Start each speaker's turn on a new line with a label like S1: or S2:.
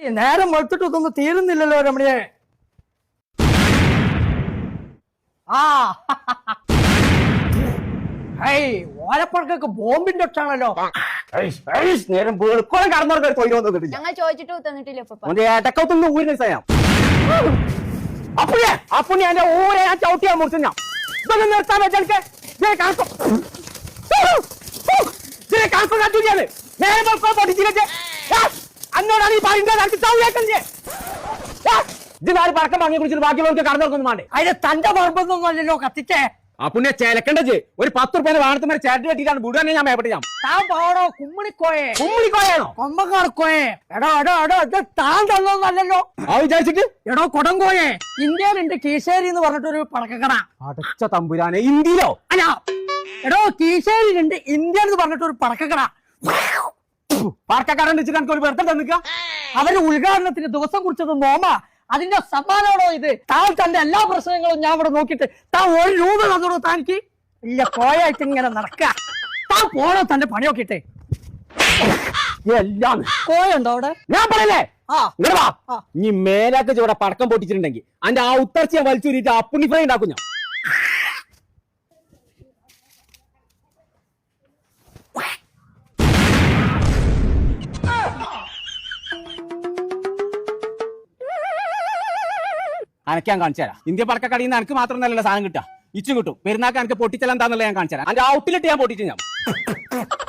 S1: നേരം വെളുത്തിട്ടൊന്നും തീരുന്നില്ലല്ലോ രമണിയെ. ആ ഓലപ്പുറക്കൊക്കെ ബോംബിന്റെ ഒച്ചാണല്ലോ.
S2: നേരം വെളുക്കോളം കടന്നവർക്ക് തൊഴിൽ വന്നിട്ടില്ല.
S3: ഞങ്ങൾ ചോദിച്ചിട്ട് തന്നിട്ടില്ല.
S2: ഏട്ടക്കത്തൊന്ന് ഊരിന് ചെയ്യാം. അപ്പൊ എന്റെ ഊരെ ഞാൻ ചവിട്ടിയാ മുറിച്ചു. ഞാൻ ഇതൊന്നും നിർത്താൻ വെച്ചാൽ നേരം വെളുക്കോ പൊട്ടിച്ചില്ലേ അന്നോടാണ് ഈ പറയുന്നത്. ഇതിനാര് പടക്കം വാങ്ങി കുടിച്ചിട്ട് ബാക്കിയുള്ളവർക്ക് കടന്നവർക്കൊന്നും വേണ്ടേ?
S1: അതിന് തന്റെ പറമ്പൊന്നും അല്ലല്ലോ കത്തിച്ചേ.
S2: അപ്പൊ ചേലക്കണ്ടത് ഒരു 10 രൂപ വാണത്തുമാരെ ചേട്ടൻ കെട്ടിട്ടാണ് വിടുവാനെ ഞാൻ മേപ്പെട്ട്. ഞാൻ
S1: താൻ പോടോ കുമ്മിണിക്കോയെ.
S2: കുമ്മിണിക്കോയാണോ?
S1: കൊമ്പക്കാർക്കോയെ. എടോ ഇത് താൻ തന്നോന്നല്ലോ.
S2: ആ വിചാരിച്ചിട്ട്
S1: എടോ കൊടങ്കോയെ. ഇന്ത്യയിലുണ്ട് കീശേരി എന്ന് പറഞ്ഞിട്ടൊരു പടക്കക്കട.
S2: അടച്ച തമ്പുരാനെ, ഇന്ത്യയിലോ?
S1: അല്ല എടോ കീശേരിയിലുണ്ട് ഇന്ത്യ എന്ന് പറഞ്ഞിട്ടൊരു പടക്കക്കട.
S2: പടക്കക്കാരൻ വെച്ചിട്ട് എനിക്ക് ഒരു വെറുതെ തന്നിക്ക.
S1: അവര് ഉദ്ഘാടനത്തിന് ദിവസം കുറിച്ചത് നോമ. അതിന്റെ സമ്മാനമാണോ ഇത്? താൻ തന്റെ എല്ലാ പ്രശ്നങ്ങളും ഞാൻ ഇവിടെ നോക്കിയിട്ട് താൻ 1 രൂപ തന്നോളൂ. താനിക്ക് ഇല്ല കോയായിട്ട് ഇങ്ങനെ നടക്ക. താൻ പോണോ തന്റെ പണി നോക്കിട്ടെ.
S2: എല്ലാം
S1: കോയുണ്ടോ അവിടെ?
S2: ഞാൻ പറയല്ലേ.
S1: ആ
S2: ഇനി മേലാക്ക് ചൂടെ പടക്കം പൊട്ടിച്ചിട്ടുണ്ടെങ്കിൽ അതിന്റെ ആ ഉത്തർച്ച ഞാൻ വലിച്ചൂരിട്ട് അപ്പുണ്ണി ഫ്രൈ ഉണ്ടാക്കും ഞാൻ. അനക്കാൻ കാണിച്ചു തരാം. ഇന്ത്യ പടക്കക്കടയിൽ നിന്ന് എനിക്ക് മാത്രം നല്ല സാധനം കിട്ടുക. ഇച്ചും കിട്ടും. പെരുന്നാക്ക് എനിക്ക് പൊട്ടിച്ചെല്ലാം എന്താന്നുള്ളത് ഞാൻ കാണിച്ചു തരാം. അതിന്റെ ഔട്ടിലിട്ട് ഞാൻ പൊട്ടിച്ചു ഞാൻ.